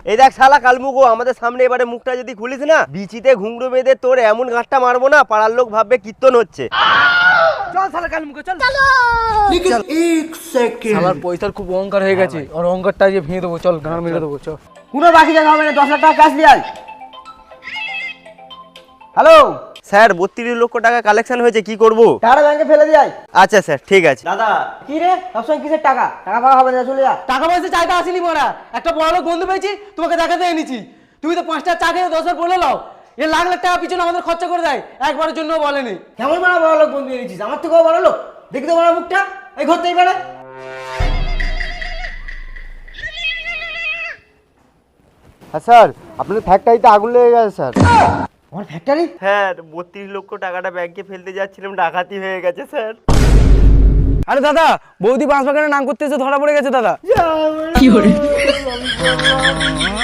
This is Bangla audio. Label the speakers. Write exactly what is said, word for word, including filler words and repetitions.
Speaker 1: এই দেখ শালা কালমুগো, আমাদের সামনে এবারে মুখটা যদি খুলিস না, বিচিতে ঘুংড়ো বেঁধে তোর এমন গাঁটটা মারবো না, পাড়ার লোক ভাববে কীর্তন হচ্ছে।
Speaker 2: চল শালা কালমুখো চল।
Speaker 3: लेकिन एक सेकंड
Speaker 2: শালার পয়সার খুব অহংকার হয়ে গেছে, আর অহংকারটা যে ভেঙে দেবো, চল গান মেরে দেবো চল।
Speaker 3: কোনো বাকি জায়গা হবে না, দশ লাখ টাকা ক্যাশ দিয়ে আয়। হ্যালো
Speaker 1: স্যার বত্রিশ লক্ষ টাকা কালেকশন হয়েছে, কি করব?
Speaker 3: টাকা ব্যাংকে ফেলে দিয়ে আয়।
Speaker 1: আচ্ছা স্যার ঠিক আছে।
Speaker 3: দাদা কি রে সবসময় কিসের টাকা টাকা পাওয়া হবে না, চলে যা।
Speaker 2: টাকা পয়সা চাইতে আসিনি বড়া, একটা বড় লোক বন্ধু পেয়েছি, তোমাকে দেখাতে এনেছি। তুমি তো পাঁচটা চা খেয়ে দশ বার বলে নাও, এ লাখ লাখ টাকা পিছনে আমাদের খরচা করে দেয়, একবারের জন্য বলেনি।
Speaker 3: কেমন বড় বড় লোক বন্ধু এনেছিস, আমার থেকেও বড় লোক। দেখি তো বড় মুখটা, এই ঘর থেকে বেড়ে।
Speaker 1: হ্যাঁ স্যার, আপনার ফ্যাক্টরিতে আগুন লেগে গেছে স্যার।
Speaker 3: আমার ফ্যাক্টরি?
Speaker 1: হ্যাঁ, বত্রিশ লক্ষ টাকাটা ব্যাংকে ফেলতে যাচ্ছিলাম, ডাকাতি হয়ে গেছে স্যার।
Speaker 2: আরে দাদা, বৌদি বাঁশ বাগানে নাম করতে এসে ধরা পড়ে গেছে দাদা।
Speaker 1: কি